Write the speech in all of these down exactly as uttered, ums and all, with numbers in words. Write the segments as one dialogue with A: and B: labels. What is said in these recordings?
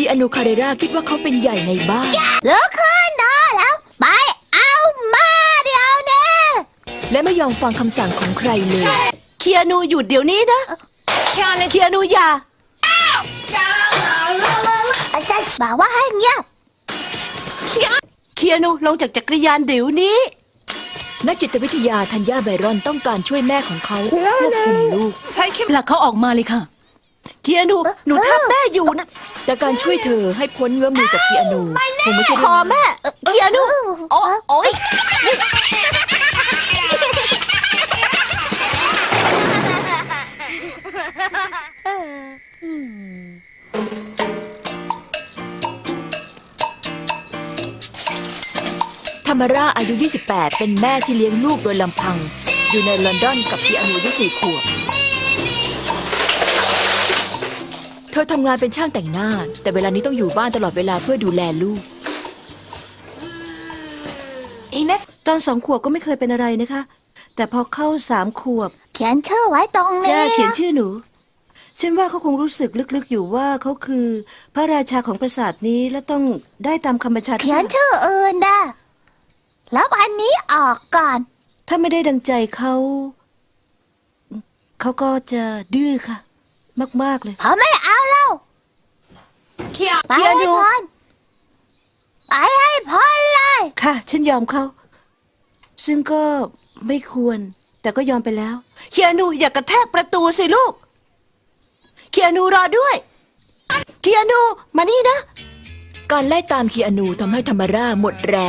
A: คีอานูคาเรราคิดว่าเขาเป็นใหญ่ในบ้าน
B: ลุกขึ้นนะแล้วไปเอามาเดี๋ยวนี้
A: และไม่ยอมฟังคำสั่งของใครเลย
C: เคียนูหยุดเดี๋ยวนี้นะเคียนูอย่า
B: อาจารย์บอกว่าให้เงียบ
C: เคียนูลงจากจักรยานเดี๋ยวนี้
A: นักจิตวิทยาธัญญาไบรอนต้องการช่วยแม่ของเขาควบคุมลูก
D: ใช้ผลักเขาออกมาเลยค่ะ
C: เคียนูหนูทับแม่อยู่นะ
A: แต่การช่วยเธอให้พ้นเงื้อมมือจากคีอานูคงไม่ใช่
C: คอแม่เคียนูโอ้โอ้ย
A: ธามาราอายุ ยี่สิบแปด เป็นแม่ที่เลี้ยงลูกโดยลำพัง อยู่ในลอนดอนกับคีอานูอายุสี่ขวบเธอทำงานเป็นช่างแต่งหน้าแต่เวลานี้ต้องอยู่บ้านตลอดเวลาเพื่อดูแลลูก
C: ตอนสองขวบก็ไม่เคยเป็นอะไรนะคะ แต่พอเข้าสามขวบ
B: เขียนชื่อไว้ตรงนี้
C: จ้าเขียนชื่อหนูฉันว่าเขาคงรู้สึกลึกๆอยู่ว่าเขาคือพระราชาของปราสาทนี้และต้องได้ตามคำบัญชา
B: เขียนชื่ออื่นได้แล้วอันนี้ออกก่อน
C: ถ้าไม่ได้ดังใจเขาเขาก็จะดื้อค่ะ มากๆเลย
B: ผมไม่เอาแล้วไปให้พ้นไปให้พ้นเลย
C: ค่ะ ฉันยอมเขาซึ่งก็ไม่ควร แต่ก็ยอมไปแล้วเคียนูอย่ากระแทกประตูสิลูกเคียนูรอด้วยเคียนูมานี่นะ
A: การไล่ตามคีอานูทำให้ธามาราหมดแรง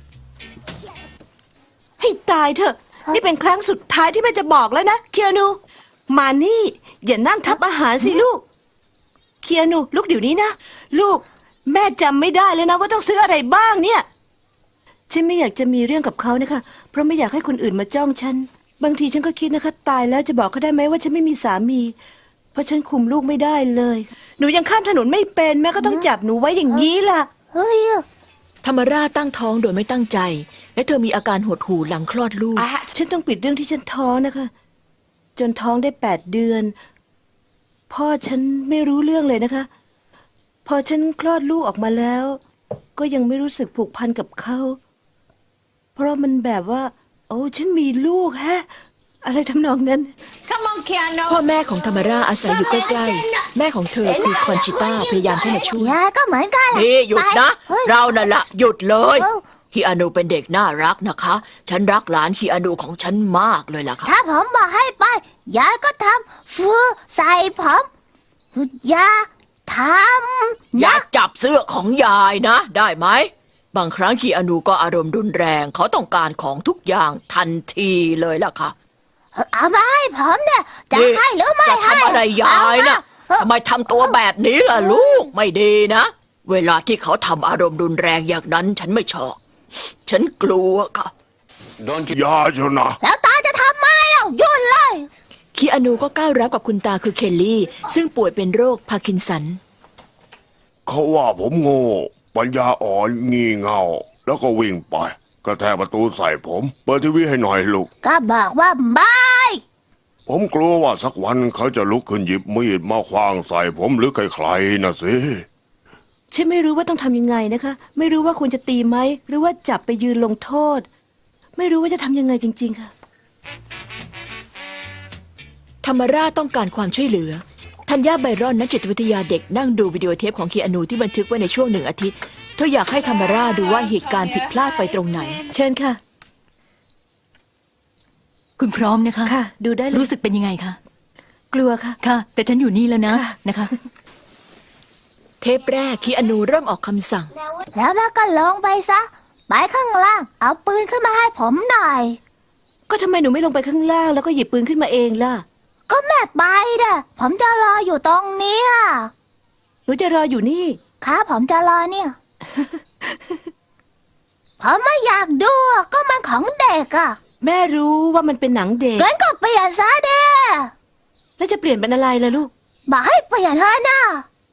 C: ให้ตายเถอะนี่เป็นครั้งสุดท้ายที่แม่จะบอกแล้วนะเคียนูมานี่อย่านั่งทับอาหารสิลูกเคียนูลูกเดี๋ยวนี้นะลูกแม่จำไม่ได้เลยนะว่าต้องซื้ออะไรบ้างเนี่ยฉันไม่อยากจะมีเรื่องกับเขานะคะเพราะไม่อยากให้คนอื่นมาจ้องฉันบางทีฉันก็คิดนะคะตายแล้วจะบอกเขาได้ไหมว่าฉันไม่มีสามี เพราะฉันคุมลูกไม่ได้เลยหนูยังข้ามถนนไม่เป็นแม่ก็ต้องจับหนูไว้อย่างนี้ล่ะ
B: เฮ้ย
A: ธามาราตั้งท้องโดยไม่ตั้งใจ และเธอมีอาการหดหู่หลังคลอดลูก
C: ฉันต้องปิดเรื่องที่ฉันท้องนะคะ จนท้องได้แปดเดือน พ่อฉันไม่รู้เรื่องเลยนะคะ พอฉันคลอดลูกออกมาแล้ว ก็ยังไม่รู้สึกผูกพันกับเขาเพราะมันแบบว่า โอ้ฉันมีลูกฮะ อะไรทำนองนั้น
A: พ่อแม่ของธามาราอาศัยอยู่ใกล้ๆแม่ของเธอคือคอนชิต้าพยายามเข้ามาช่วย
B: ยาก็เหมือนกัน
E: นี่หยุดนะ
B: ฮ้ย
E: เรานั่นละหยุดเลย
B: เอ้า
E: คีอานูเป็นเด็กน่ารักนะคะ ฉันรักหลานคีอานูของฉันมากเลยล่ะค่ะ
B: ถ้าผมบอกให้ไปยายก็ทำฟูใส่ผมยาทำ
E: อย่า
B: นะ
E: จับเสื้อของยายนะ ได้ไหม บางครั้งคีอานูก็อารมณ์รุนแรง เขาต้องการของทุกอย่างทันทีเลยล่ะค่ะ
B: เอามาให้ผมเนี่ยจะ
E: นี่
B: ให้หรือไม่
E: จะ
B: ให้
E: ทำอะไรยายนะ
B: เอามา
E: ทำไมทำตัวแบบนี้ล่ะลูกไม่ดีนะ เวลาที่เขาทำอารมณ์รุนแรงอย่างนั้นฉันไม่ชอบ ฉันกลัวค่ะ
F: อย่าชนะ
B: แล้วตาจะทำไมเอ้ายุ่นเลย
A: คีอานูก็ก้าวรับกับคุณตาคือเคลลี่ ซึ่งป่วยเป็นโรคพาร์กินสัน
F: เขาว่าผมโง่ปัญญาอ่อนงี่เง่า แล้วก็วิ่งไปกระแทกประตูใส่ผม เปิดทีวีให้หน่อยลูก
B: ก็บอกว่าไม่
F: ผมกลัวว่าสักวันเขาจะลุกขึ้นหยิบมีดมาขว้างใส่ผมหรือใครๆนะสิ
C: ฉันไม่รู้ว่าต้องทำยังไงนะคะ ไม่รู้ว่าควรจะตีไหมหรือว่าจับไปยืนลงโทษ ไม่รู้ว่าจะทำยังไงจริง ๆค่ะ
A: ธามาราต้องการความช่วยเหลือธัญญาไบรอนนักจิตวิทยาเด็กนั่งดูวิดีโอเทปของคีอานูที่บันทึกไว้ในช่วงหนึ่งอาทิตย์เธออยากให้ธามาราดูว่าเหตุการณ์ผิดพลาดไปตรงไหน
C: เชิญค่ะ
D: คุณพร้อมนะคะ
C: ค่ะ ดูได้เลย
D: รู้สึกเป็นยังไงคะ
C: กลัวค่ะ
D: ค่ะ แต่ฉันอยู่นี่แล้วนะ
C: ค่ะ
D: นะคะ
A: เทปแรกคีอานูเริ่มออกคำสั่ง
B: แล้วแม่ก็ลงไปซะไปข้างล่าง เอาปืนขึ้นมาให้ผมหน่อย
C: ก็ทำไมหนูไม่ลงไปข้างล่างแล้วก็หยิบปืนขึ้นมาเองล่ะ
B: ก็แม่ไปเด้อผมจะรออยู่ตรงเนี้ย
C: หนูจะรออยู่นี่
B: ครับผมจะรอเนี่ย ผมไม่อยากดูอะก็มันของเด็กอะ
C: แม่รู้ว่ามันเป็นหนังเด็ก
B: งั้นก็เปลี่ยนซะเด้อ
C: แล้วจะเปลี่ยนเป็นอะไรล่ะลูก
B: บอกให้เปลี่ยนเถอะนะ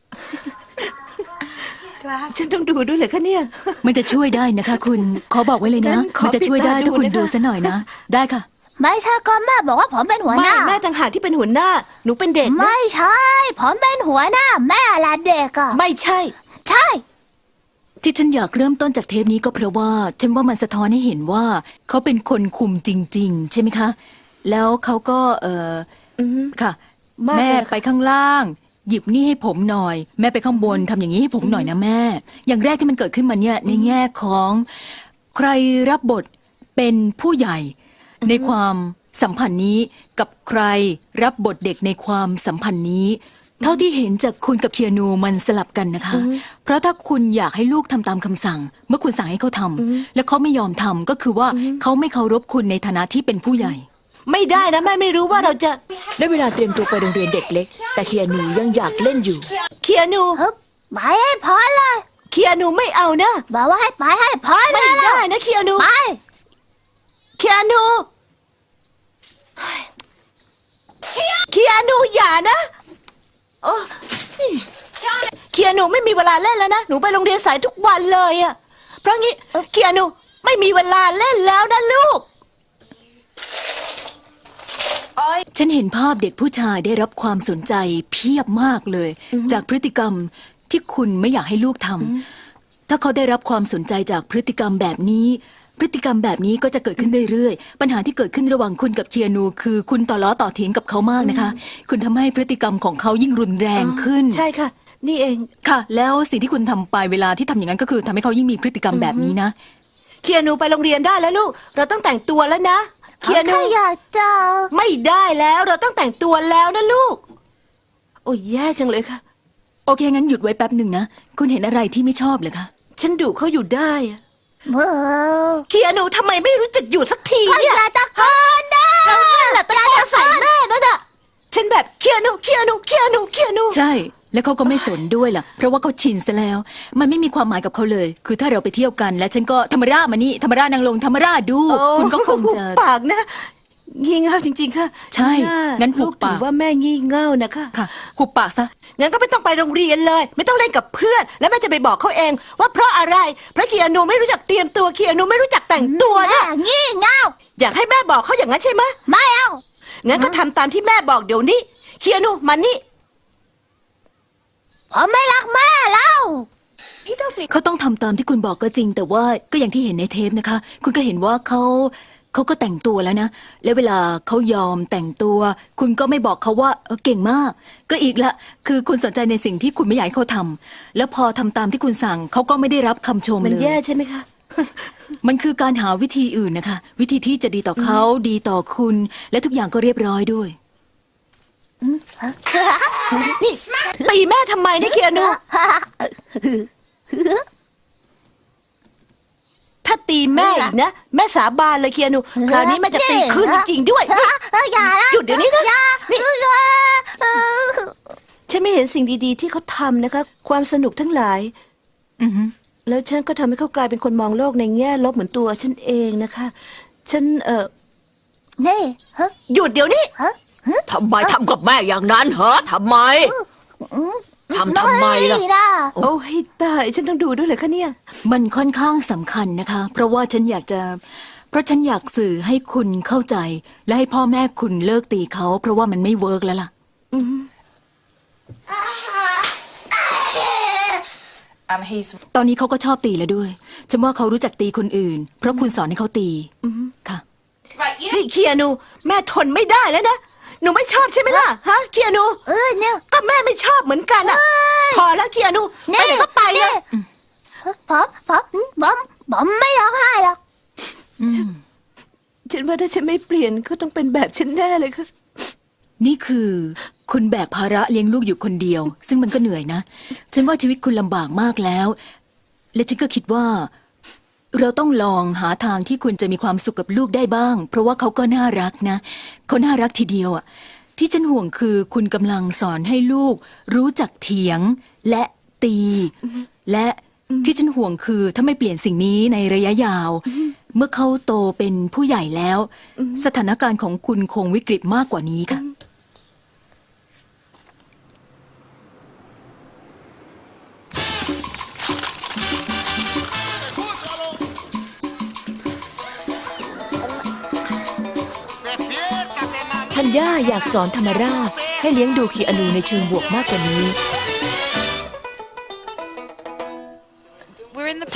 C: ฉันต้องดูด้วยเหรอคะเนี่ย
D: มันจะช่วยได้นะคะ คุณขอบอกไว้เลยนะ
C: งั้นขอ
D: มันจะช่วยได้
C: ปิดตาดู
D: ถ้าคุณ
C: นะคะ
D: ดูซะหน่อยนะ ได้ค่ะ
B: ไม่ใช่ก็แม่บอกว่าผมเป็นหัวห
C: ไม่
B: น้า
C: แม่ต่างหากที่เป็นหัวหน้า หนูเป็นเด็กนะ
B: ไม่ใช่ ผมเป็นหัวหน้า แม่ละเด็กอะ
C: ไม่ใช่
B: ใช่
D: ที่ฉันอยากเริ่มต้นจากเทปนี้ก็เพราะว่า ฉันว่ามันสะท้อนให้เห็นว่า เขาเป็นคนคุมจริง ๆ ใช่ไหมคะ แล้วเขาก็เออ
C: อือฮึ
D: ค่ะ
C: มากเลย
D: แม่
C: นะคะ
D: ไปข้างล่าง หยิบนี่ให้ผมหน่อย แม่ไปข้างบนทำอย่างนี้ให้ผมหน่อยนะแม่ อย่างแรกที่มันเกิดขึ้นมาเนี่ยในแง่ของ ใครรับบทเป็นผู้ใหญ่ ในความสัมพันธ์นี้กับใครรับบทเด็กในความสัมพันธ์นี้ เท่าที่เห็นจากคุณกับเคียนูมันสลับกันนะคะ เพราะถ้าคุณอยากให้ลูกทำตามคำสั่ง เมื่อคุณสั่งให้เขาทำและเขาไม่ยอมทำก็คือว่าเขาไม่เคารพคุณในฐานะที่เป็นผู้ใหญ่
C: ไม่ได้นะแม่ไม่รู้ว่าเราจะ
A: ได้เวลาเตรียมตัวไปโรงเรียนเด็กเล็ก แต่เคียนูยังอยากเล่นอยู่
C: เคียนู
B: เฮ้ยไปให้พอเลย
C: เคียนูไม่เอานะ
B: บอกว่าให้ไปให้พอเล
C: ไม่
B: ย
C: ได้นะเคียนู
B: ไป
C: เคียนูเคียนูอย่านะโอ้เคียนูไม่มีเวลาเล่นแล้วนะหนูไปโรงเรียนสายทุกวันเลยอะเพราะงี้เคียนูไม่มีเวลาเล่นแล้วนะลูก
D: ฉันเห็นภาพเด็กผู้ชายได้รับความสนใจเพียบมากเลย จากพฤติกรรมที่คุณไม่อยากให้ลูกทำถ้าเขาได้รับความสนใจจากพฤติกรรมแบบนี้ พฤติกรรมแบบนี้ก็จะเกิดขึ้นเรื่อยๆปัญหาที่เกิดขึ้นระหว่างคุณกับเคียนู คือคุณต่อล้อต่อเถียงกับเขามากนะคะ คุณทำให้พฤติกรรมของเขายิ่งรุนแรงขึ้น
C: ใช่ค่ะ นี่เอง
D: ค่ะ แล้วสิ่งที่คุณทำไปเวลาที่ทำอย่างนั้นก็คือทำให้เขายิ่งมีพฤติกรรมแบบนี้นะ
C: เคียนูไปโรงเรียนได้แล้วลูก เราต้องแต่งตัวแล้วนะเคียนู
B: ถ้าอยากจะ
C: ไม่ได้แล้วเราต้องแต่งตัวแล้วนะลูก โอ้ยแย่จังเลยค่ะ
D: โอเคงั้นหยุดไว้แป๊บหนึ่งนะคุณเห็นอะไรที่ไม่ชอบเหรอคะ
C: ฉันดุเขาอยู่ได้อะ
B: เออ
C: เคียนูทำไมไม่รู้จักอยู่สักที
B: ก็
C: เนี่ย
B: อย่าตะโกนนะ
C: เราเนี่ยแหละตะโกนใส่แม่นั่นน่ะฉันแบบเคียนูเคียนูเคียนูเคียนู
D: ใช่ แล้วเขาก็ไม่สนด้วยล่ะ เพราะว่าเขาชินซะแล้ว มันไม่มีความหมายกับเขาเลย คือถ้าเราไปเที่ยวกัน และฉันก็ธรรมรามานี่ธรรมรานางลงธรรมราดู
C: โอ้
D: คุณก็คงจะ
C: ปากนะงี่เง่าจริง ๆ ค่ะ
D: ใช่
C: า
D: งั้นหุ
C: ลู
D: บ
C: ก
D: ปาก
C: ถือว่าแม่งี่เง่านะคะ
D: ค่ะหุบปากซะ
C: งั้นก็ไม่ต้องไปโรงเรียนเลย ไม่ต้องเล่นกับเพื่อน แล้วแม่จะไปบอกเขาเอง ว่าเพราะอะไรเพราะเคียนูไม่รู้จักเตรียมตัวเคียนูไม่รู้จักแต่งตัว
B: แม่
C: นะ
B: งี่เง่า
C: อยากให้แม่บอกเขาอย่างนั้นใช่ไหม
B: ไม่เอา
C: งั้นก็ทำตามที่แม่บอกเดี๋ยวนี้เคียนูมานี่
B: ผมไม่รักแม่แล้ว
D: เขาต้องทำตามที่คุณบอกก็จริง แต่ว่าก็อย่างที่เห็นในเทปนะคะ คุณก็เห็นว่าเขาเขาก็แต่งตัวแล้วนะ และเวลาเขายอมแต่งตัว คุณก็ไม่บอกเขาว่าเออเก่งมาก ก็อีกละ คือคุณสนใจในสิ่งที่คุณไม่อยากให้เขาทำแล้วพอทำตามที่คุณสั่งเขาก็ไม่ได้รับคำชม
C: มัน
D: เลย
C: แย่ใช่ไหมคะ
D: มันคือการหาวิธีอื่นนะคะ วิธีที่จะดีต่อเขาดีต่อคุณ และทุกอย่างก็เรียบร้อยด้วย
C: นี่ตีแม่ทำไมเนี่ยเคียนู ถ้าตีแม่อีกนะ แม่สาบานเลยเคียนูคราวนี้แม่จะตีคืนจริงๆด้วย
B: เออเอออย่านะ
C: หยุดเดี๋ยวนี้นะ
B: อย่า
C: นี่
B: เออเออ
C: ฉันไม่เห็นสิ่งดีๆที่เขาทำนะคะ ความสนุกทั้งหลาย
D: อือฮึ
C: แล้วฉันก็ทำให้เขากลายเป็นคนมองโลกในแง่ลบเหมือนตัวฉันเองนะคะ ฉันเออ
B: นี่ฮะ
C: หยุดเดี๋ยวนี้
B: ฮะ
E: ทำไมทำกับแม่อย่างนั้นเหรอทำไม ทำทำไมล่ะ
B: ไม่นะ
C: โอ้ให้ตายฉันต้องดูด้วยเลยคะเนี่ย
D: มันค่อนข้างสำคัญนะคะ เพราะว่าฉันอยากจะ เพราะฉันอยากสื่อให้คุณเข้าใจ และให้พ่อแม่คุณเลิกตีเขา เพราะว่ามันไม่เวิร์กแล้วล่ะ
G: and he's
D: ตอนนี้เขาก็ชอบตีแล้วด้วย ฉันว่าเขารู้จักตีคนอื่น เพราะคุณสอนให้เขาตีค่ะ
G: right. You
C: นี่เคียนู แม่ทนไม่ได้แล้วนะ หนูไม่ชอบใช่ไหมล่ะฮะเคียนู
B: เออเนี่ย
C: ก็แม่ไม่ชอบเหมือนกันอ่ะ พอแล้วเคียนูไปไหนก็ไปเลย
B: ผมผมผมผมไม่ร้องไห้หรอก
C: ฉันว่าถ้าฉันไม่เปลี่ยนก็ต้องเป็นแบบฉันแน่เลยค่ะ
D: นี่คือคุณแบกภาระเลี้ยงลูกอยู่คนเดียว ซึ่งมันก็เหนื่อยนะ ฉันว่าชีวิตคุณลำบากมากแล้ว และฉันก็คิดว่า เราต้องลองหาทางที่คุณจะมีความสุขกับลูกได้บ้าง เพราะว่าเขาก็น่ารักนะเขาน่ารักทีเดียวอ่ะที่ฉันห่วงคือคุณกำลังสอนให้ลูก รู้จักเถียงและตี และที่ฉันห่วงคือถ้าไม่เปลี่ยนสิ่งนี้ในระยะยาว เมื่อเขาโตเป็นผู้ใหญ่แล้ว สถานการณ์ของคุณคงวิกฤตมากกว่านี้ค่ะ
A: ธัญญาอยากสอนธรรมราชให้เลี้ยงดูคีอานูในเชิงบวกมากกว่านี้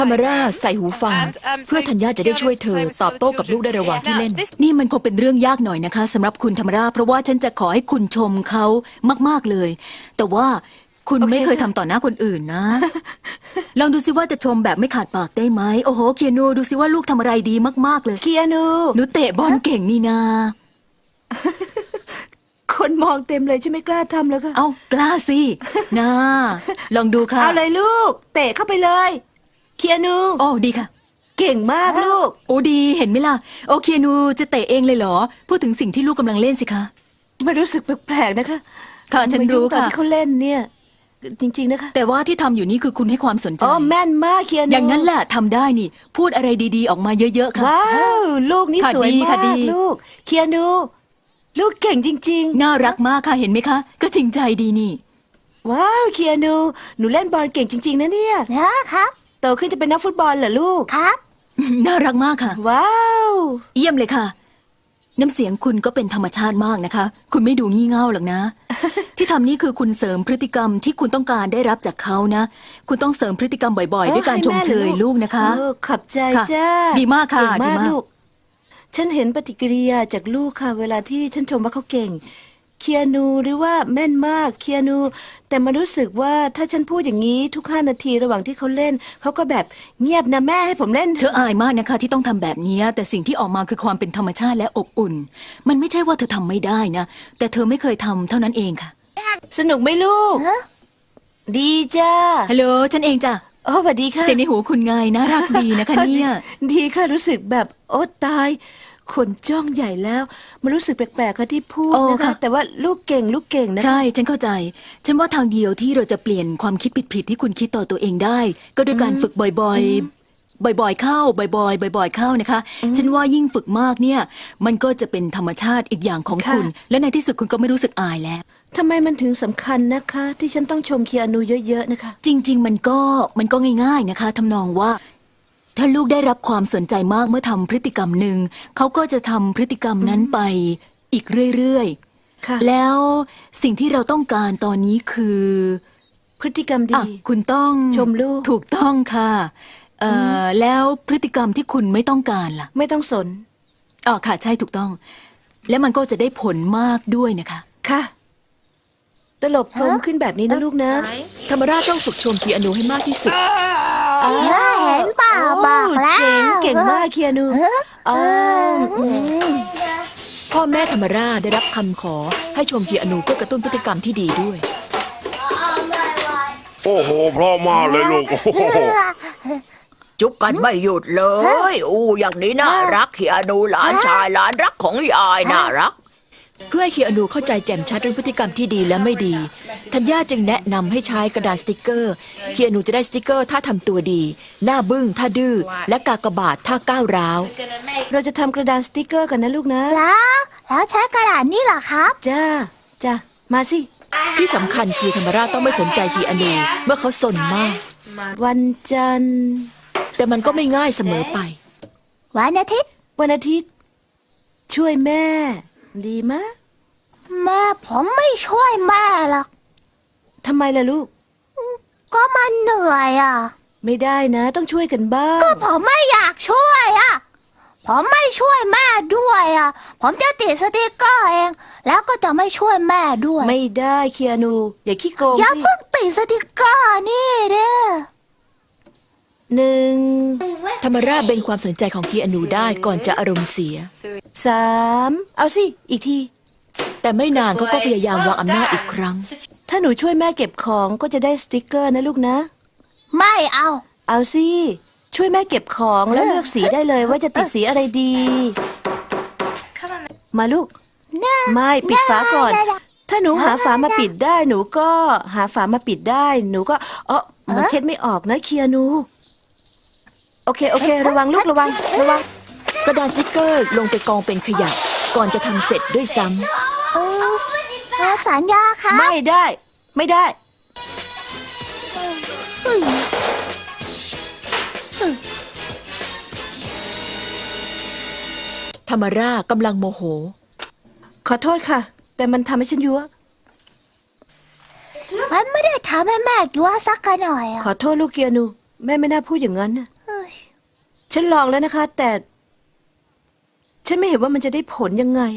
A: ธรรมราใส่หูฟัง เพื่อธัญญาจะได้ช่วยเธอตอบโต้กับลูกได้ระหว่างที่เล่น
D: นี่มันคงเป็นเรื่องยากหน่อยนะคะสำหรับคุณธรรมราเพราะว่าฉันจะขอให้คุณชมเขามากๆเลย แต่ว่าคุณไม่เคยทำต่อหน้าคนอื่นนะ ลองดูสิว่าจะชมแบบไม่ขาดปากได้ไหมโอ้โหเคียนูดูสิว่าลูกทำอะไรดีมากๆเลย
C: เคียนู
D: หนูเตะบอลเก่งนี่นา
C: คนมองเต็มเลยจะไม่กล้าทำแล้วค่ะ
D: เอ้ากล้าสินะลองดูค่ะ
C: เอาเลยลูก เตะเข้าไปเลยเคียนู
D: โอ้ดีค่ะ
C: เก่งมากลูก
D: โอ้ดีเห็นไหมล่ะโอเคียนูจะเตะเองเลยเหรอพูดถึงสิ่งที่ลูกกำลังเล่นสิคะ
C: ไม่รู้สึกแปลกๆนะคะ
D: ค่ะฉันรู้
C: มายุ่งตอน
D: ค่ะ
C: ที่เขาเล่นเนี่ย จริง ๆนะคะ
D: แต่ว่าที่ทำอยู่นี่คือคุณให้ความสนใจ
C: อ๋อแม่นมากเคียนู
D: อย่างนั้นแหละทำได้นี่ พูดอะไรดีๆออกมาเยอะๆค่ะ
C: ว้าวลูกนี่
D: ค่ะ
C: สวย
D: ดี
C: มา
D: ค่ะ
C: ก
D: ดี
C: ลูกเคียนู ลูกเก่งจริง
D: น่ารักมากค่ะเห็นไหมคะ ก็จริงใจดีนี่
C: ๆ ว้าวเคียนูหนูเล่นบอลเก่งจริง ๆนะเนี่ย
B: นะครับ
C: โตขึ้นจะเป็นนักฟุตบอลเหรอลูก
B: ครับ
D: น่ารักมากค่ะ
C: ว้าว
D: เยี่ยมเลยค่ะ น้ำเสียงคุณก็เป็นธรรมชาติมากนะคะ คุณไม่ดูงี่เง่าหรอก นะ ที่ทำนี่คือคุณเสริมพฤติกรรมที่คุณต้องการได้รับจากเขานะ คุณต้องเสริมพฤติกรรมบ่อยๆ ด้วยการชมเชยลูกนะคะ
C: เออขอบใจ
D: ค่ะ
C: จ้า
D: ดีมากค่ะ
C: เก่ง
D: ดี
C: มาก
D: มาก
C: ลูก ฉันเห็นปฏิกิริยาจากลูกค่ะ เวลาที่ฉันชมว่าเขาเก่ง เคียนูหรือว่าแม่นมากเคียนู แต่มารู้สึกว่าถ้าฉันพูดอย่างนี้ทุกห้านาทีระหว่างที่เขาเล่น เขาก็แบบเงียบนะแม่ให้ผมเล่น
D: เธออายมากนะคะที่ต้องทำแบบนี้แต่สิ่งที่ออกมาคือความเป็นธรรมชาติและอบอุ่น มันไม่ใช่ว่าเธอทำไม่ได้นะ แต่เธอไม่เคยทำเท่านั้นเองค่ะ
C: สนุกไหมลูก
B: ฮะ
C: ดีจ้า
D: ฮัลโหลฉันเองจ้ะ
C: โอ้สวัสดีค่ะ
D: เสียงในหูคุณไงน่ารักดีนะคะเนี่ย
C: ดีค่ะรู้สึกแบบโอ้ตายคนจ้องใหญ่แล้วมันรู้สึกแปลกๆค่ะที่พูด
D: โอ้
C: นะคะ
D: ค่ะ
C: แต่ว่าลูกเก่งลูกเก่งนะคะ
D: ใช่ฉันเข้าใจ ฉันว่าทางเดียวที่เราจะเปลี่ยนความคิดผิดๆที่คุณคิดต่อตัวเองได้ ก็ด้วยการฝึกบ่อยๆ บ่อยๆ เข้า บ่อยๆ บ่อยๆ เข้านะคะ ฉันว่ายิ่งฝึกมากเนี่ย มันก็จะเป็นธรรมชาติอีกอย่างของคุณ และในที่สุดคุณก็ไม่รู้สึกอายแล้ว
C: ทำไมมันถึงสำคัญนะคะ ที่ฉันต้องชมเคียนูเยอะๆนะคะ
D: จริง ๆ มันก็มันก็ง่าย ๆนะคะทำนองว่า ถ้าลูกได้รับความสนใจมากเมื่อทำพฤติกรรมหนึ่งเขาก็จะทำพฤติกรรมนั้นไปอีกเรื่อย
C: ค่ะ
D: ๆ แล้วสิ่งที่เราต้องการตอนนี้คือ
C: พฤติกรรม
D: อ่ะ
C: ดี
D: คุณต้อง
C: ชมลูก
D: ถูกต้องค่ะเอ่ออแล้วพฤติกรรมที่คุณไม่ต้องการล่ะ
C: ไม่ต้องสน
D: อ๋อค่ะใช่ถูกต้อง และมันก็จะได้ผลมากด้วยนะคะ
C: ค่ะตลบพรมขึ้นแบบนี้นะลูกนะ
A: ธรรมราต้องฝึกชมคีอานูให้มากที่สุด
B: เสียเห็นเปล่าบอกแล้ว
C: เจ๋งเก่งมากเคียนูอ๋ออืม
A: พ่อแม่ธรรมราได้รับคำขอให้ชมคีอานูเพื่อกระตุ้นพฤติกรรมที่ดีด้วย
F: โอ้โหเพราะมากเลยลูกโอ้โห
E: จุ๊บกันไม่หยุดเลยอู้อย่างนี้น่ารักคีอานูหลานชายหลานรักของยายน่ารัก
A: เพื่อให้คีอานูเข้าใจแจ่มชัดเรื่องพฤติกรรมที่ดีและไม่ดีธัญญาจึงแนะนำให้ใช้กระดาษสติกเกอร์คีอานูจะได้สติกเกอร์ถ้าทำตัวดี หน้าบึ้งถ้าดื้อและกากบาทถ้าก้าวร้าว
C: เราจะทำกระดานสติกเกอร์กันนะลูกนะ
B: แล้วแล้วใช้กระดาษนี่เหรอครับ
C: จ้าจ้ามาสิ
A: ที่สำคัญคือธรรมราต้องไม่สนใจคีอานูเมื่อเขาสนมาก
C: วันจันทร์
A: แต่มันก็ไม่ง่ายเสมอไป
B: วันอาทิตย์
C: วันอาทิตย์ ช่วยแม่ ดีมะ
B: แม่ผมไม่ช่วยแม่หรอก
C: ทำไมล่ะลูก
B: ก็มันเหนื่อยอ่ะ
C: ไม่ได้นะ ต้องช่วยกันบ้าง
B: ก็ผมไม่อยากช่วยอ่ะ ผมไม่ช่วยแม่ด้วยอ่ะ ผมจะติดสติกเกอร์เอง แล้วก็จะไม่ช่วยแม่ด้วย
C: ไม่ได้เคียนู อย่าขี้โกง
B: อย่า
C: สิ
B: เพิ่งติดสติกเกอร์นี่เด้อ
C: หนึ่ง
A: ธรรมราเป็นความสนใจของคีอานูได้ก่อนจะอารมณ์เสีย
C: สามเอาสิ อีกที
A: แต่ไม่นานเขาก็พยายามวางอำนาจอีกครั้ง
C: ถ้าหนูช่วยแม่เก็บของก็จะได้สติกเกอร์นะลูกนะ
B: ไม่เอา
C: เอาสิ ช่วยแม่เก็บของแล้วเลือกสีได้เลยว่าจะติดสีอะไรดี มาลูก ไม่ปิดฝาก่อน ถ้าหนูหาฝามาปิดได้ หนูก็หาฝามาปิดได้ หนูก็เออมันเช็ดไม่ออกนะเคียนู โอเคโอเค ระวังลูกระวังระวัง
A: กระดาษสติกเกอร์ลงไปกองเป็นขยะก่อนจะทำเสร็จด้วยซ้ำ
B: เออเออสัญญาครับ
C: ไม่ได้ ไม่ได้
B: เฮ้ย
A: ธรรมรากำลังโมโห
C: ขอโทษค่ะ แต่มันทำให้ฉันยั่ว
B: มันไม่ได้ทำให้แม่กลัวสักหน่อยอ่ะ
C: ขอโทษลูกเคียนู แม่ไม่น่าพูดอย่างนั้นนะฉันลองแล้วนะคะ แต่ ฉันไม่เห็นว่ามันจะได้ผลยังไง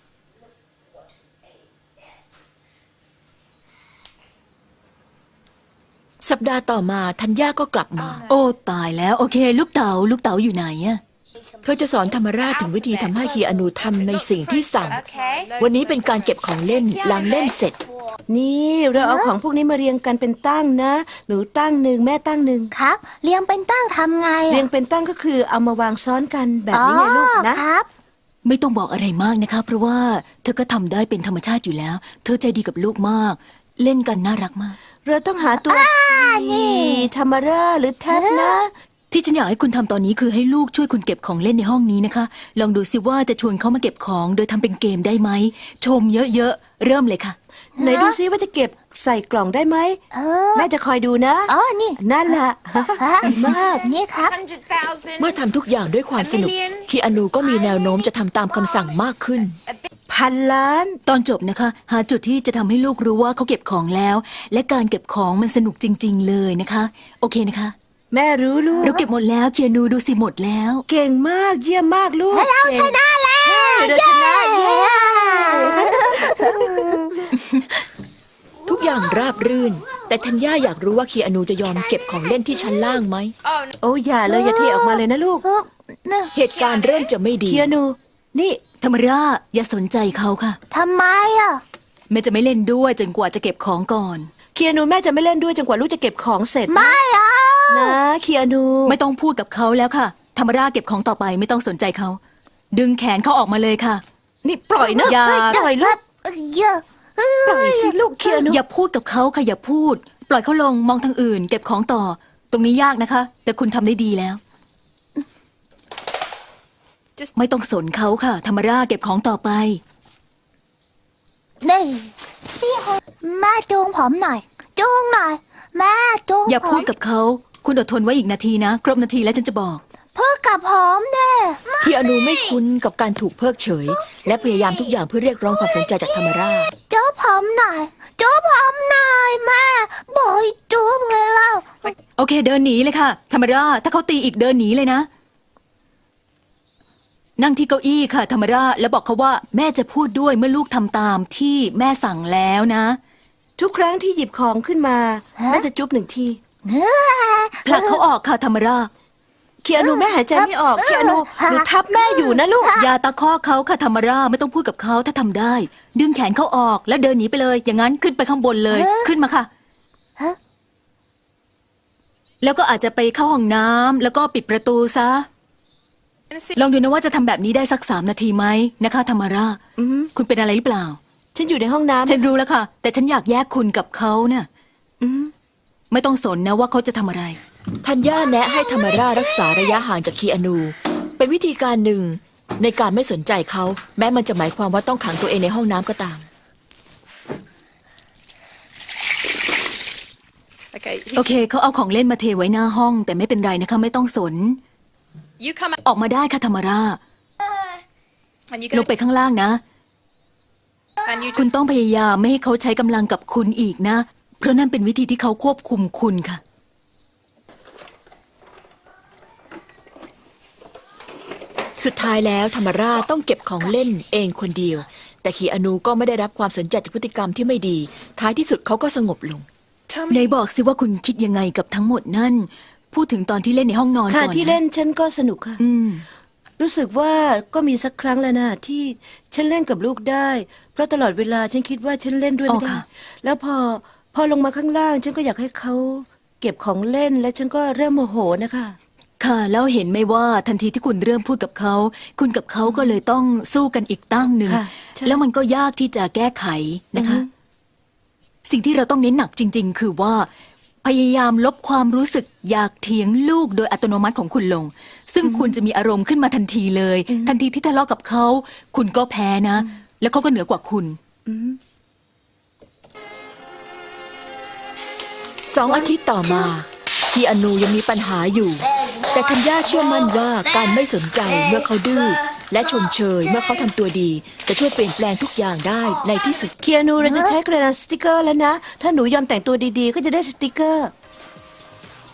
A: สัปดาห์ต่อมาธัญญาก็กลับมา
D: โอ้ตายแล้วโอเค ลูกเต๋าลูกเต๋าอยู่ไหนอะ
A: เธอจะสอนธรรมราชถึงวิธีทำให้คีอานูทำในสิ่งที่สั่ง
G: Okay.
A: วันนี้เป็นการเก็บของเล่นหลังเล่นเสร็จ
C: นี่เราเอาของพวกนี้มาเรียงกันเป็นตั้งนะ หนูตั้งหนึ่งแม่ตั้งหนึ่ง
B: ครับเรียงเป็นตั้งทำไงอะ
C: เรียงเป็นตั้งก็คือเอามาวางซ้อนกันแบบนี้ไงลูกนะ
B: อ๋อครับ
D: ไม่ต้องบอกอะไรมากนะคะ เพราะว่าเธอก็ทำได้เป็นธรรมชาติอยู่แล้ว เธอใจดีกับลูกมาก เล่นกันน่ารักมาก
C: เราต้องหาตัวนี่ธรรมราหรือแท็บนะ
D: ที่ฉันอยากให้คุณทำตอนนี้คือให้ลูกช่วยคุณเก็บของเล่นในห้องนี้นะคะ ลองดูสิว่าจะชวนเขามาเก็บของโดยทำเป็นเกมได้ไหม ชมเยอะๆ เริ่มเลยค่ะ
C: ไหนดูซิว่าจะเก็บใส่กล่องได้ไหม
B: เออ
C: แม่จะคอยดูนะ
B: อ๋อนี่
C: นั่นแหละ ดีมาก
B: นี่ครับ
G: Hundred thousand.
A: เมื่อทำทุกอย่างด้วยความสนุก คีอานูก็มีแนวโน้มจะทำตามคำสั่งมากขึ้น
C: พันล้าน
D: ตอนจบนะคะ หาจุดที่จะทำให้ลูกรู้ว่าเขาเก็บของแล้ว และการเก็บของมันสนุกจริง ๆ เลยนะคะ โอเคนะคะ
C: แม่รู้ลูก
D: เราเก็บหมดแล้วเคียนูดูสิหมดแล้ว
C: เก่งมากเยี่ยมมากลูก
B: เราชนะแล้ว
C: ใช่เราชนะเย้
A: ทุกอย่างราบรื่น แต่ธัญญาอยากรู้ว่าคีอานูจะยอมเก็บของเล่นที่ชั้นล่างไหม
G: Oh no.
C: โอ้อย่าเลยอย่าเทออกมาเลยนะลูก
B: เออเนี่ย
A: เหตุการณ์เริ่มจะไม่ดี
C: เคียนู นี่
D: ธรรมราอย่าสนใจเขาค่ะ
B: ทำไมอ่ะ
D: แม่จะไม่เล่นด้วยจนกว่าจะเก็บของก่อน
C: เคียนูแม่จะไม่เล่นด้วยจนกว่าลูกจะเก็บของเสร็จนะ
B: ไม่อ่ะ
C: นะเคียนู
D: ไม่ต้องพูดกับเขาแล้วค่ะ ธรรมราเก็บของต่อไปไม่ต้องสนใจเขา ดึงแขนเขาออกมาเลยค่ะ
C: นี่ปล่อยนะ
D: อย่า
C: ปล่อยลูก
B: เออเยอะเออ
C: ปล่อยสิลูกเคียนู
D: อย่าพูดกับเขาค่ะอย่าพูด ปล่อยเขาลงมองทางอื่น เก็บของต่อ ตรงนี้ยากนะคะ แต่คุณทำได้ดีแล้ว
G: Just-
D: ไม่ต้องสนเขาค่ะ ธรรมราเก็บของต่อไป
B: นี่แม่จูงผมหน่อย จูงหน่อย แม่จูง
D: อย่า
B: ผ
D: พูด
B: ม
D: กับเขา คุณอดทนไว้อีกนาทีนะ ครบนาทีแล้วฉันจะบอก
B: พูดกับผมเด้
A: คีอานูไม่คุ้นกับการถูกเพิกเฉย และพยายามทุกอย่างเพื่อเรียกร้องความสนใจจากธรรมราช
B: จูบผมหน่อย จูบผมหน่อยแม่บอกให้จูบไงเล่า
D: โอเค เดินหนีเลยค่ะ ธรรมราถ้าเขาตีอีกเดินหนีเลยนะ นั่งที่เก้าอี้ค่ะ ธรรมราแล้วบอกเขาว่าแม่จะพูดด้วยเมื่อลูกทำตามที่แม่สั่งแล้วนะ
C: ทุกครั้งที่หยิบของขึ้นมา
B: ฮะ
C: แม่จะจุ๊บหนึ่งที
D: ผลักเขาออกค่ะธรรมรา
C: เคียนูแม่หายใจไม่ออกเคียนูหนูทับแม่อยู่นะลูก
D: อย่าตะคอกเขาค่ะธรรมราไม่ต้องพูดกับเขาถ้าทำได้ ดึงแขนเขาออกแล้วเดินหนีไปเลย อย่างนั้นขึ้นไปข้างบนเลย ขึ้นมาค่ะ
B: ฮะ
D: แล้วก็อาจจะไปเข้าห้องน้ำแล้วก็ปิดประตูซะ ลองดูนะว่าจะทำแบบนี้ได้สักสามนาทีไหมนะคะธรรมรา
C: อือหือ
D: คุณเป็นอะไรหรือเปล่า
C: ฉันอยู่ในห้องน้ำ
D: ฉันรู้แล้วค่ะ แต่ฉันอยากแยกคุณกับเขาเนะ่ะ
C: อือหือ
D: ไม่ต้องสนนะว่าเขาจะทำอะไร
A: ธัญญาแนะให้ธรรมรารักษาระยะห่างจากคีอานู เป็นวิธีการหนึ่งในการไม่สนใจเขา แม้มันจะหมายความว่าต้องขังตัวเองในห้องน้ำก็ตาม
G: Okay.
D: โอเคเขาเอาของเล่นมาเทไว้หน้าห้อง แต่ไม่เป็นไรนะคะ ไม่ต้องสน
G: You come out
D: ออกมาได้ค่ะธรรมรา
G: and you
D: ล
G: go
D: งไปข้างล่างนะ
G: and you
D: คุณ
G: just
D: ต้องพยายามไม่ให้เขาใช้กำลังกับคุณอีกนะ เพราะนั่นเป็นวิธีที่เขาควบคุมคุณค่ะ
A: สุดท้ายแล้วธรรมราต้องเก็บของเล่นเองคนเดียว แต่คีอานูก็ไม่ได้รับความสนใจจากพฤติกรรมที่ไม่ดี ท้ายที่สุดเขาก็สงบลง
G: tell
D: ไหน
G: me.
D: บอกสิว่าคุณคิดยังไงกับทั้งหมดนั่น พูดถึงตอนที่เล่นในห้องนอนก่
C: ค่ะ
D: อนนะ
C: ที่เล่นฉันก็สนุกค่ะ
D: อืม
C: รู้สึกว่าก็มีสักครั้งแล้วนะที่ฉันเล่นกับลูกได้ เพราะตลอดเวลาฉันคิดว่าฉันเล่นด้วย
D: อ๋
C: ไม่
D: อ
C: ได้
D: ค่ะ
C: แล้วพอพอลงมาข้างล่าง ฉันก็อยากให้เขาเก็บของเล่นและฉันก็เริ่มโมโหนะคะ
D: ค่ะ แล้วเห็นไหมว่าทันทีที่คุณเริ่มพูดกับเขา คุณกับเขาก็เลยต้องสู้กันอีกตั้งหนึ่ง
C: ค่ะใช่
D: แล้วมันก็ยากที่จะแก้ไขนะคะ
C: อือฮึ
D: สิ่งที่เราต้องเน้นหนักจริง ๆ คือว่า พยายามลบความรู้สึกอยากเถียงลูกโดยอัตโนมัติของคุณลง ซึ่งคุณจะมีอารมณ์ขึ้นมาทันทีเลย ทันทีที่ทะเลาะกับเขา คุณก็แพ้นะ แล้วเขาก็เหนือกว่าคุณ
A: สองอาทิตย์ต่อมาคีอานูยังมีปัญหาอยู่ แต่ธัญญาเชื่อมั่นว่าการไม่สนใจเมื่อเขาดื้อและชมเชยเมื่อเขาทำตัวดี จะช่วยเปลี่ยนแปลงทุกอย่างได้ในที่สุด
C: เคียนูเราจะใช้กระดาษสติกเกอร์แล้วนะ ถ้าหนูยอมแต่งตัวดีๆ ก็จะได้สติกเกอร์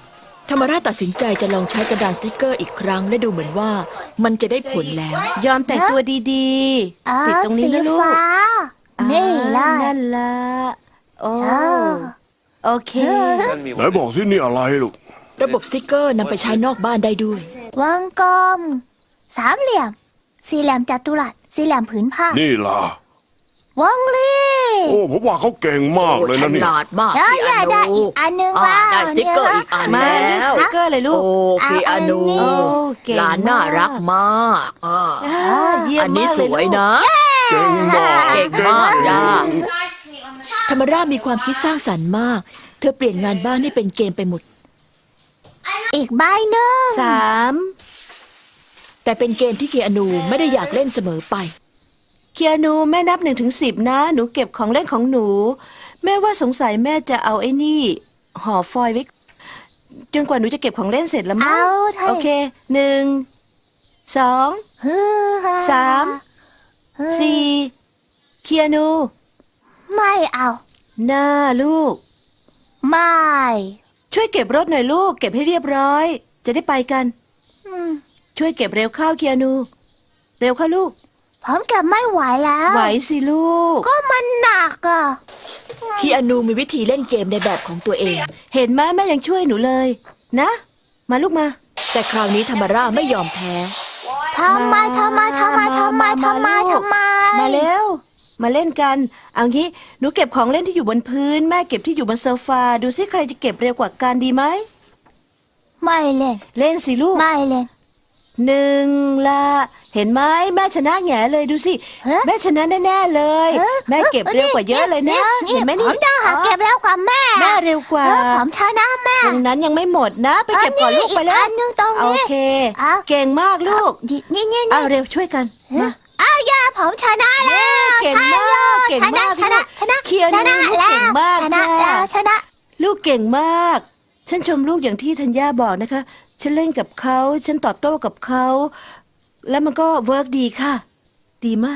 A: ธรรมราชตัดสินใจจะลองใช้กระดานสติกเกอร์อีกครั้งและดูเหมือนว่ามันจะได้ผลแล้ว
C: ยอมแต่งตัวดี
B: อ่า
C: ๆติดตรงนี้นะลูก
B: สีฟ้า นี่เล
C: อ่าย นั่นละโอ้
B: เออ
C: โอเค
F: ไหนบอกสินี่อะไรลูก
A: ระบบสติกเกอร์นำไปใช้นอกบ้านได้ด้วย
B: วงกลม สามเหลี่ยม สี่เหลี่ยมจัตุรัส สี่เหลี่ยมผืนผ้า
F: นี่ล่ะ
B: วงรี
F: โอ้ผมว่าเขาเก่งมาก
E: โอ้
F: เลย
E: ฉ
F: นะเนี่ย
E: ลาดมาก
B: แล้ว
E: คี
B: อยาก
E: อา
B: ได้
E: นู
B: อีกอันหนึง
E: อ่า
B: ว่า
E: ได้สติกเกอร์อีกอัน
C: มา
E: แล้
C: เลือก
E: ว
C: สติกเกอร์เลยลูก
E: โอ้คีอานู
C: โอ้เก่ง
E: หลานน่ารักมากอ่า
C: อ่าเยี่ยม
E: อันนี้
C: มาก
E: ส
C: เลย
E: วย
C: ลูก
E: นะ
F: เก่งมาก
E: เก่งมากจ้า
A: ธรรมราชมีความคิดสร้างสรรค์มาก เธอเปลี่ยนงานบ้านให้เป็นเกมไปหมด
B: อีกใบหนึ่ง
C: สาม
A: แต่เป็นเกมที่เคียนูไม่ได้อยากเล่นเสมอไป
C: เคียนูแม่นับหนึ่งถึงสิบนะ หนูเก็บของเล่นของหนู แม่ว่าสงสัยแม่จะเอาไอ้นี่ห่อฟอยล์ไว้จนกว่าหนูจะเก็บของเล่นเสร็จแล้วมั้
B: เอา
C: ง
B: เถอะ
C: โอเคหนึ่งสอง
B: ฮือฮ
C: สาม
B: ฮือ
C: สี่เคียนู
B: ไม่เอา
C: หน้าลูก
B: ไม่
C: ช่วยเก็บรถหน่อยลูก เก็บให้เรียบร้อย จะได้ไปกัน
B: อืม
C: ช่วยเก็บเร็วเข้าเคียนู เร็วเข้าลูก
B: ผมเก็บไม่ไหวแล้ว
C: ไหวสิลูก
B: ก็มันหนักอ่ะ
A: คีอานูมีวิธีเล่นเกมในแบบของตัวเอง
C: เห็นไหมแม่ยังช่วยหนูเลย นะ มาลูกมา
A: แต่คราวนี้ธรรมราชไม่ยอมแพ้
B: ทำไมทำไมทำไมทำไมทำไม
C: ลูก
B: ทำไม
C: มาเร็ว มาเล่นกัน เอางี้ หนูเก็บของเล่นที่อยู่บนพื้น แม่เก็บที่อยู่บนโซฟา ดูซิใครจะเก็บเร็วกว่ากันดีไหม
B: ไม่เล่น
C: เล่นสิลูก
B: ไม่เล่น
C: หนึ่งละเห็นไหมแม่ชนะแง่เลยดูสิ
B: ฮะ
C: แม่ชนะแน่ๆเลย
B: เออ
C: แม่เก็บเร็วกว่าเยอะเลยนะ เห็นไหมนี่
B: ผมจะหาเก็บเร็วกว่าแม่
C: แม่เร็วกว่า
B: เออผมชนะแม่
C: ตรงนั้นยังไม่หมดนะ ไปเก็บก่อนลูกไปแล้
B: อั
C: วน
B: หนึงตรง
C: โอ
B: นี้
C: เค
B: เอา
C: เก่งมากลูก
B: นี่นี่นี่
C: เอาเร็วช่วยกันมา
B: เอาอย่าผมชนะแล้ว
C: เก่งมาก
B: ใช่
C: เก่งมาก
B: ชนะชนะ
C: เคลียร์
B: ชนะ
C: ลูก
B: แล้ว
C: เก่งมาก
B: ชนะ
C: จ้า
B: แล้วชนะ
C: ลูกเก่งมาก ฉันชมลูกอย่างที่ธัญญาบอกนะคะ ฉันเล่นกับเขา ฉันตอบโต้กับเขา แล้วมันก็เวิร์กดีค่ะ ดีมาก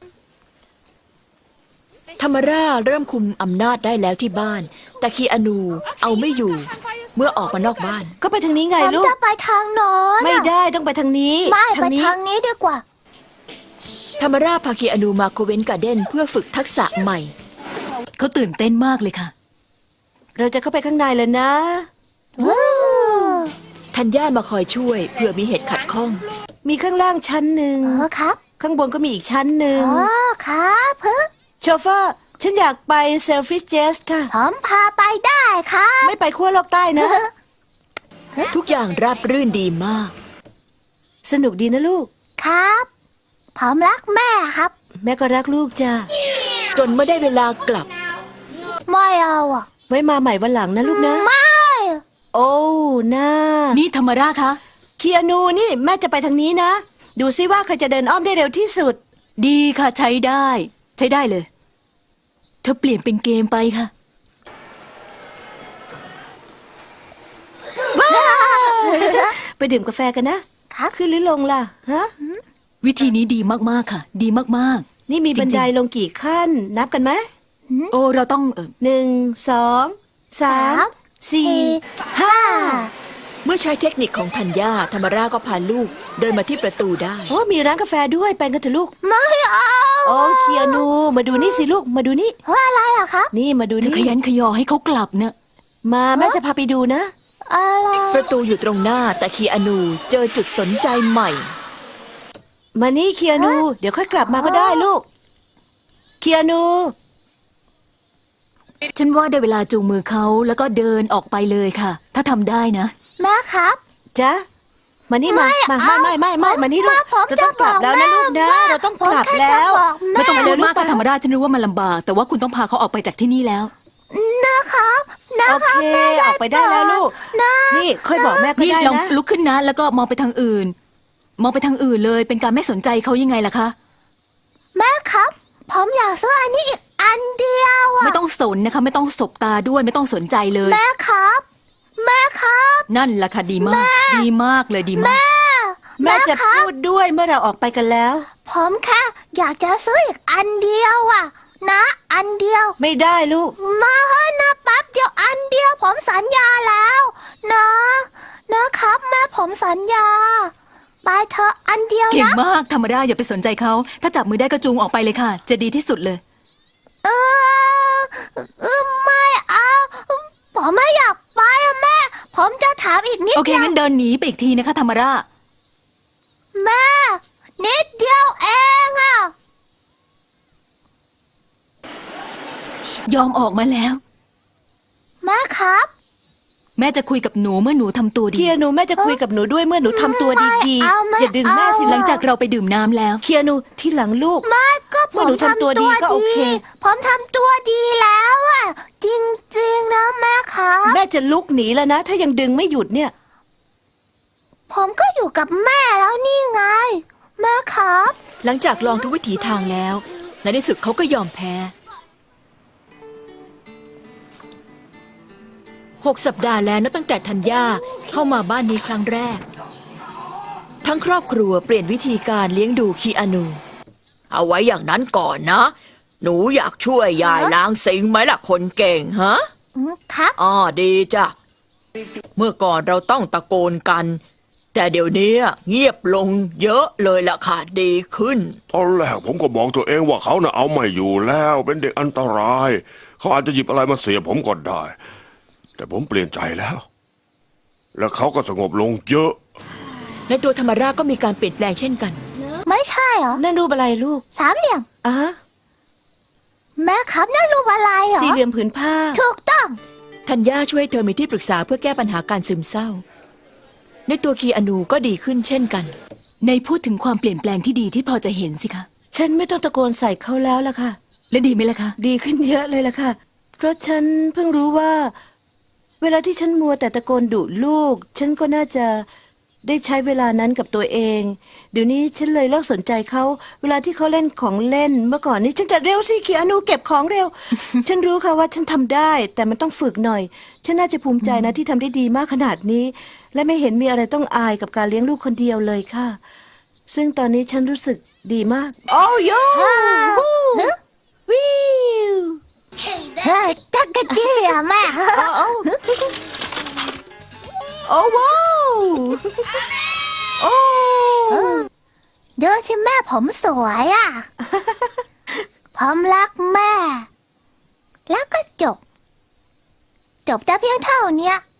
A: ธรรมราชเริ่มคุมอำนาจได้แล้วที่บ้าน แต่คีอานูเอาไม่อยู่ เมื่อออกมานอกบ้าน
C: ก็ไปทางนี้ไง
B: ผม
C: ลูก
B: จะไปทางโน้น
C: ไม่ได้ต้องไปทางนี้
B: ไม่ไป
C: นี้
B: ทางนี้ดีกว่า
A: ธรรมราชพาคีอานูมาโคเวนการ์เดนเพื่อฝึกทักษะใหม่
D: เขาตื่นเต้นมากเลยค่ะ
C: เราจะเข้าไปข้างในแล้วนะ
B: วู้
A: ทัญญามาคอยช่วยเพื่อมีเหตุขัดข้อง
C: มีข้างล่างชั้นหนึ่ง
B: เออครับ
C: ข้างบนก็มีอีกชั้นหนึ่ง
B: อ๋อครับเฮ้ย
C: โชเฟอร์ ฉันอยากไปเซลฟิชเจสค่ะ
B: ผมพาไปได้ครับ
C: ไม่ไปขั้วโลกใต้นะ
A: ทุกอย่างราบรื่นดีมาก
C: สนุกดีนะลูก
B: ครับผมรักแม่ครับ
C: แม่ก็รักลูกจ้า
A: จนเมื่อได้เวลากลับ
B: ไม่เอาอ่ะ
C: ไว้มาใหม่วันหลังนะลูกนะ
B: ไม่
C: โอ้น่า
D: นี่ธรรมราชคะ
C: เคียนูนี่แม่จะไปทางนี้นะ ดูซิว่าใครจะเดินอ้อมได้เร็วที่สุด
D: ดีค่ะใช้ได้ ใช้ได้เลย เธอเปลี่ยนเป็นเกมไปค่ะ
C: ไปดื่มกาแฟกันนะครับ ขึ้นหรือลงล่ะฮะ
D: วิธีนี้ดีมากๆค่ะ ดีมาก
C: นี่มี
D: จริงๆ
C: บันไดลงกี่ขั้น นับกันไหม
D: ๆ โอ้เราต้องเออ
C: หนึ่งสองสามสี่ห้า
A: เมื่อใช้เทคนิคของทัญญาธรรมราชก็พาลูกเดินมาที่ประตูได้
C: โอ้มีร้านกาแฟด้วยไปกันเถอะลูก
B: ไม่เอา
C: โอ้เคียนู มาดูนี่สิลูกมาดูนี่
B: เฮ้ยอะไรอ่ะครับ
C: นี่มาดู
D: เธอ
C: นี่
D: ขยันขยอให้เขากลับเนะ
C: มาแม่จะพาไปดูนะ
B: อะไร
A: ประตูอยู่ตรงหน้าแต่คีอานูเจอจุดสนใจใหม่
C: มานี่เคียนู เดี๋ยวค่อยกลับมาก็ได้ลูก เคียนู
D: ฉันว่าได้เวลาจูงมือเขาแล้วก็เดินออกไปเลยค่ะ ถ้าทำได้นะ
B: แม่ครับ
C: จ๊ะ มานี่มา มา
B: เอา
C: ไม่ไม่ไม่ไม่มานี่ลูก
B: ผม
C: เรา
B: จะ
C: ต้องกลับแล้วนะลูกนะ
B: บอกแม่
C: เราต้อง
B: ผม
C: กลับ
B: แค่
C: แล้ว
B: จะบอกแม่
D: ไม่ต้อง
C: เร็
D: พู
C: ว
D: ด
C: ๆ
D: มาก
C: ไป
D: ค่ะธรรมราชฉันรู้ว่ามันลำบาก แต่ว่าคุณต้องพาเขาออกไปจากที่นี่แล้ว
B: นะครับนะ
C: โอ
B: ครั
C: เค
B: บแม่
C: ออกไปได้แล้วลูก
B: นะ
C: นี่ค่อยบอกแม่ก็
D: นี่
C: ได้
D: ลอง
C: นะ
D: ลุกขึ้นนะ แล้วก็มองไปทางอื่น มองไปทางอื่นเลย เป็นการไม่สนใจเขายังไงล่ะคะ
B: แม่ครับ ผมอยากซื้ออันนี้อีกอันเดียวอ่ะ
D: ไม่ต้องสนนะคะ ไม่ต้องสบตาด้วย ไม่ต้องสนใจเลย
B: แม่ครับ แม่ครับ
D: นั่นแหละค่ะดีมาก ดีมากเลยดีมาก
C: แม่จะ
B: ครับ
C: พูดด้วยเมื่อเราออกไปกันแล้ว
B: ผมแค่อยากจะซื้ออีกอันเดียวอ่ะ นะ อันเดียว
C: ไม่ได้ลูก
B: มาเถอะนะแป๊บเดียวอันเดียวผมสัญญาแล้ว นะผมสัญญาไปเถอะอันเดียว
D: เก่ง
B: นะ
D: มากธรรมดาอย่าไปสนใจเขา ถ้าจับมือได้ก็จูงออกไปเลยค่ะ จะดีที่สุดเลย
B: เออเออไม่เอาผมไม่อยากไปอะแม่ ผมจะถามอีกนิด
D: โอเค
B: เดียว
D: งั้นเดินหนีไปอีกทีนะคะธรรมรา
B: แม่ นิดเดียวเองอะ
D: ยอมออกมาแล้ว
B: แม่ครับ
D: แม่จะคุยกับหนูเมื่อหนูทำตัวดี
C: เคียนูแม่จะคุยกับหนูด้วยเมื่อหนูทำตัวดี
B: ไม่เอาไม่
C: ๆ อย่าดึงแม่สิ
B: เอา
D: หลังจากเราไปดื่มน้ำแล้ว
C: เคียนูที่หลังลูก
B: ไม่ก็ผ
C: เมื่อ
B: ม
C: หนูทำตัวดีก็โอเค
B: ผมทำตัวดีแล้วอะจริงๆนะแม่ครับ
C: แม่จะลุกหนีแล้วนะ ถ้ายังดึงไม่หยุดเนี่ย
B: ผมก็อยู่กับแม่แล้วนี่ไง แม่ครับ
A: หลังจากลองทุกวิถีทางแล้ว ในที่สุดเขาก็ยอมแพ้ หกสัปดาห์แล้วนับตั้งแต่ธัญญาเข้ามาบ้านนี้ครั้งแรก ทั้งครอบครัวเปลี่ยนวิธีการเลี้ยงดูคีอานู
E: เอาไว้อย่างนั้นก่อนนะ หนูอยากช่วยยายล้างซิงค์ไหมล่ะคนเก่งฮะ
B: อืมครับ
E: อ๋อดีจ้ะ เมื่อก่อนเราต้องตะโกนกัน แต่เดี๋ยวนี้เงียบลงเยอะเลยล่ะค่ะดีขึ้น
F: ตอนแรกผมก็บอกตัวเองว่าเขาน่ะเอาไม่อยู่แล้วเป็นเด็กอันตราย เขาอาจจะหยิบอะไรมาเสียผมก็ได้ แต่ผมเปลี่ยนใจแล้ว แล้วเขาก็สงบลงเยอะ
A: ในตัวธรรมราชก็มีการเปลี่ยนแปลงเช่นกัน
B: ไม่ใช่เหรอ
C: นั่นรูปอะไรลูก
B: สามเหลี่ยม
C: อ่ะ
B: แม่ครับนั่นรูปอะไรเหรอ
C: สี่เหลี่ยมผืนผ้า
B: ถูกต้อง
A: ธัญญาช่วยให้เธอมีที่ปรึกษาเพื่อแก้ปัญหาการซึมเศร้า ในตัวคีอานูก็ดีขึ้นเช่นกัน
D: ในพูดถึงความเปลี่ยนแปลงที่ดีที่พอจะเห็นสิคะ
C: ฉันไม่ต้องตะโกนใส่เขาแล้วล่ะค่ะ
D: และดีไหมล่ะคะ
C: ดีขึ้นเยอะเลยล่ะค่ะ เพราะฉันเพิ่งรู้ว่า เวลาที่ฉันมัวแต่ตะโกนดุลูก ฉันก็น่าจะได้ใช้เวลานั้นกับตัวเอง เดี๋ยวนี้ฉันเลยเลิกสนใจเขา เวลาที่เขาเล่นของเล่น เมื่อก่อนนี้ฉันจะเร็วสิเขียนูเก็บของเร็ว ฉันรู้ค่ะว่าฉันทำได้ แต่มันต้องฝึกหน่อย ฉันน่าจะภูมิใจนะที่ทำได้ดีมากขนาดนี้ และไม่เห็นมีอะไรต้องอายกับการเลี้ยงลูกคนเดียวเลยค่ะ ซึ่งตอนนี้ฉันรู้สึกดีมาก โอ้โย
B: ฮะ
C: วิว
B: เฮ้ยจักรจี้อะแม่
C: โอ้ว้าวโอ้
B: ดูสิแม่ผมสวยอะ ผมรักแม่ แล้วก็จบ จบแต่เพียงเท่าเนี้ย